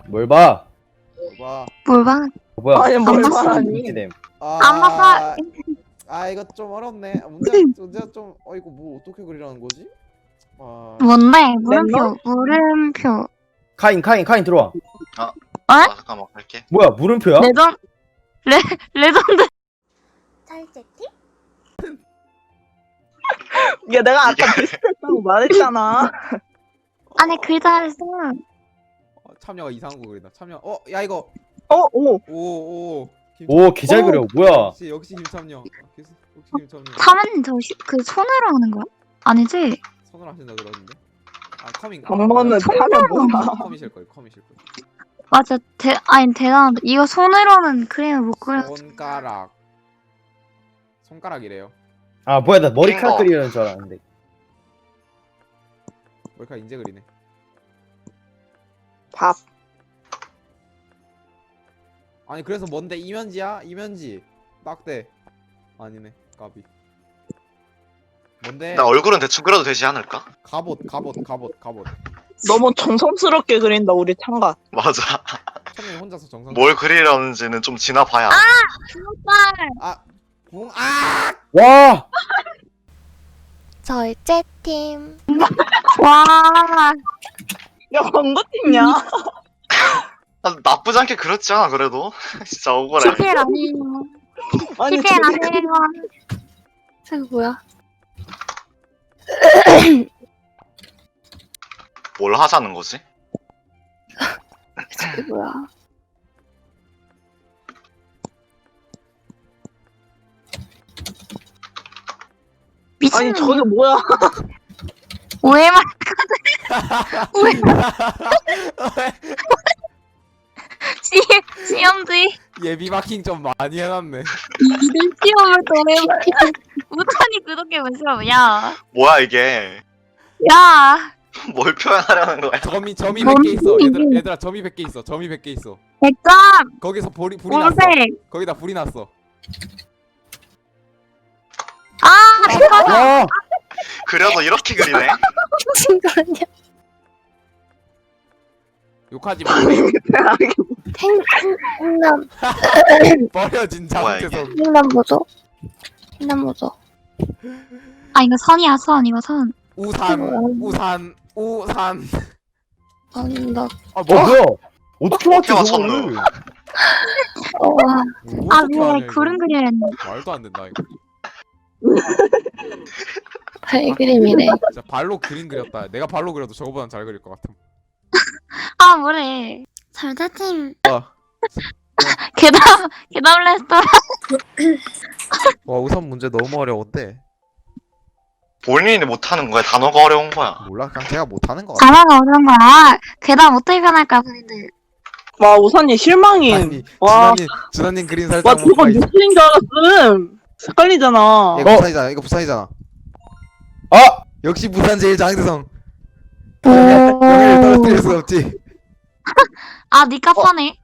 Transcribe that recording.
뭘 봐? 봐. 뭘 봐? 뭐야? 아니, 뭘 봤어? 말하니? 이기됨. 안 봐봐. 이거 좀 어렵네. 문제가 좀 이거 뭐 어떻게 그리라는 거지? 뭔데? 물음표. 물음표. 카인 들어와. 잠깐만 갈게. 뭐야 물음표야? 레전 레전드. 찰제티? 야, 내가 아까 비슷했다고 말했잖아. 안에 글자를 써. 참여가 이상한 거 그리다. 참여. 야 이거. 오. 오. 오 개 잘 그려. 뭐야? 역시 김참여. 역시 김참여. 사모님 그 손으로 하는 거야? 아니지? 손을 하신다 그러는데. 커밍. 정모는 참여 뭐야? 커미실 거예요. 맞아. 대단하다. 이거 손으로는 그림을 못 그려. 손가락이래요. 아 뭐야 나 머리카락 핑거. 그리려는 줄 알았는데. 머리카락 인제 그리네. 밥. 아니 그래서 뭔데 이면지야? 이면지. 딱대. 아니네. 까비. 뭔데? 나 얼굴은 대충 그려도 되지 않을까? 갑옷. 너무 정성스럽게 그린다, 우리 창가. 맞아. 참여 혼자서 정상. 뭘 그리려는지는 좀 지나봐야. 와. 절제팀. 와. 야, 광고팀이야. 나쁘지 않게 그렸지 않아 그래도? 진짜 억울해. TPL 아니에요. 아니, TPL 저게 아니에요. 저거 뭐야? 뭘 하자는 거지? 저게 뭐야? 미친. 아니, 저게 뭐야? 오해만. 시험지. 예비 마킹 좀 많이 해놨네. 이들 시험을 또 오해만. 우탄이 그렇게 왜 시험? 야. 뭐야 이게? 야. 뭘 표현하려는 거야? 점이 100개 있어. 얘들아 점이 100개 있어. 점이 100개 있어. 100점. 거기서 불이 났어. 오색. 거기다 불이 났어. 아, 잠깐만. 와. 그려도 이렇게 그리네? 미친 거 아니야? 욕하지 마. 횡남 버려 진짜. 뭐야, 이게? 죄송. 횡남 뭐죠? 횡남 뭐죠? 아, 이거 선이야, 선. 이거 선. 우산. 안다. 뭐야? 어떻게 맞지 어떻게 저거를? 아, 왜 그림 그려야 했네. 말도 안 된다 이거. 발그림이래. 진짜 발로 그림 그렸다. 내가 발로 그려도 저거보단 잘 그릴 것 같아. 아, 뭐래. 절대팀. 계단 레스토랑. 와 우선 문제 너무 어려운데. 본인이 못하는 거야? 단어가 어려운 거야? 몰라 그냥 제가 못하는 거 같아. 단어가 어려운 거야. 계단 어떻게 변할까, 본인들. 와, 우선이 실망임. 아니 와. 준하님 그린 와, 살짝 저거 뉴스인 줄 알았음. 헷갈리잖아. 이거 부산이잖아. 이거 부산이잖아. 아. 역시 부산 제일 장대성. 오. 영예를 떨어뜨릴 수 없지. 아, 니까 파네.